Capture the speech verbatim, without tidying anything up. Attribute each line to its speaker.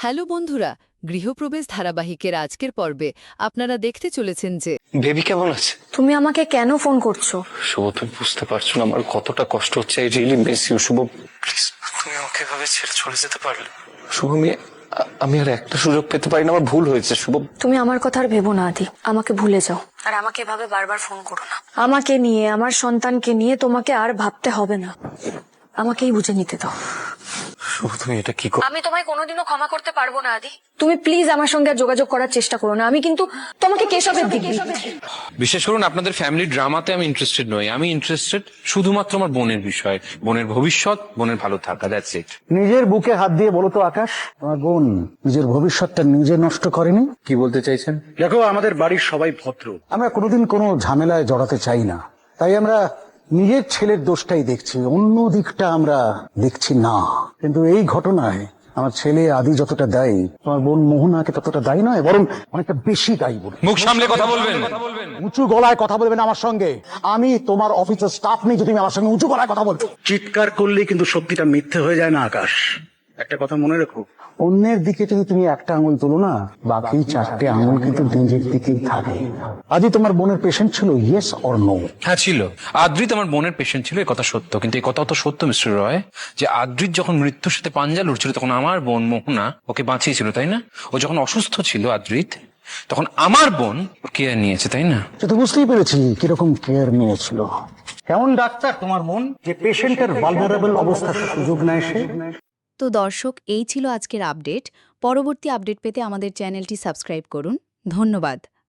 Speaker 1: Hello বন্ধুরা, গৃহপ্রবেশ ধারাবাহিকের আজকের পর্বে আপনারা দেখতে চলেছেন যে
Speaker 2: বেবি কেমন আছে?
Speaker 3: তুমি আমাকে কেন ফোন করছো?
Speaker 2: শুভ, তুমি বুঝতে পারছো না আমার কতটা কষ্ট হচ্ছে। I really miss you Shubh, please তুমি আমাকে এভাবে ছেড়ে চলে যেতে পারলে? শুভ, আমি আ- আমি আর একটা সুযোগ পেতে পারি না? আমার ভুল হয়েছে শুভ।
Speaker 3: তুমি আমার কথা আর ভেবো না আদি, আমাকে ভুলে যাও। আর আমাকে এভাবে বারবার ফোন করো না। আমাকে নিয়ে, আমার সন্তানকে নিয়ে তোমাকে আর ভাবতে হবে না। আমাকেই বুঝে নিতে দাও।
Speaker 2: শুভ, তুমি এটা কি করো?
Speaker 3: আমি তোমায় কোনোদিনও ক্ষমা করতে পারবো না আদি। তুমি প্লিজ আমার সঙ্গে আর যোগাযোগ করার চেষ্টা করো না। আমি কিন্তু তোমাকে কেশবের দিকে
Speaker 4: বিশেষ করুন আপনাদের ফ্যামিলি ড্রামাতে আমি ইন্টারেস্টেড নই। আমি ইন্টারেস্টেড শুধুমাত্র আমার বোনের বিষয়, বোনের ভবিষ্যৎ, বোনের ভালো থাকা। That's it.
Speaker 5: নিজের বুকে হাত দিয়ে বলো তো আকাশ, তোমার বোন নিজের ভবিষ্যৎটা নিজে নষ্ট করেনি?
Speaker 4: কি বলতে চাইছেন?
Speaker 5: দেখো, আমাদের বাড়ির সবাই ভদ্র, আমরা কোনোদিন কোনো ঝামেলায় জড়াতে চাই না। তাই আমরা নিজের ছেলের দোষটাই দেখছি, অন্য দিকটা আমরা দেখছি না। কিন্তু এই ঘটনায় আমার ছেলে আদি যতটা দায়ী, তোমার বোন মোহনাকে ততটা দায়ী নয়, বরং অনেকটা বেশি দায়ী বলে।
Speaker 4: মুখ সামলে কথা বলবেন।
Speaker 5: উঁচু গলায় কথা বলবেন আমার সঙ্গে। আমি তোমার অফিসের স্টাফ নেই যে তুমি আমার সঙ্গে উঁচু গলায় কথা বলছো। চিৎকার করলেই কিন্তু সত্যিটা মিথ্যে হয়ে যায় না আকাশ। একটা কথা মনে রেখো, অন্যের দিকে যদি তুমি একটা আঙুল তুলো না, বাকি চারটে আঙুল কিন্তু নিজের দিকেই থাকে। আজই তোমার বোনের পেশেন্ট ছিল, ইয়েস অর নো?
Speaker 4: হ্যাঁ ছিল। আদ্রিত আমার বোনের পেশেন্ট ছিল, এই কথা সত্য। কিন্তু এই কথা তো সত্য মিস্টার রয়, যে আদ্রিত যখন মৃত্যুর সাথে পাঞ্জা লড়ছিল তখন আমার বোন মোহনা ওকে বাঁচিয়েছিল, তাই না? ও যখন অসুস্থ ছিল আদ্রিত, তখন আমার বোন ওর কেয়ার নিয়েছে, তাই না?
Speaker 5: সে তো বুঝতেই পেরেছি কিরকম কেয়ার নিয়েছিল। কেমন ডাক্তার তোমার মন, যে পেশেন্টের ভালনারেবল অবস্থার সুযোগ নেয় সে?
Speaker 6: তো দর্শক, এই ছিল আজকের আপডেট। পরবর্তী আপডেট পেতে আমাদের চ্যানেলটি সাবস্ক্রাইব করুন। ধন্যবাদ।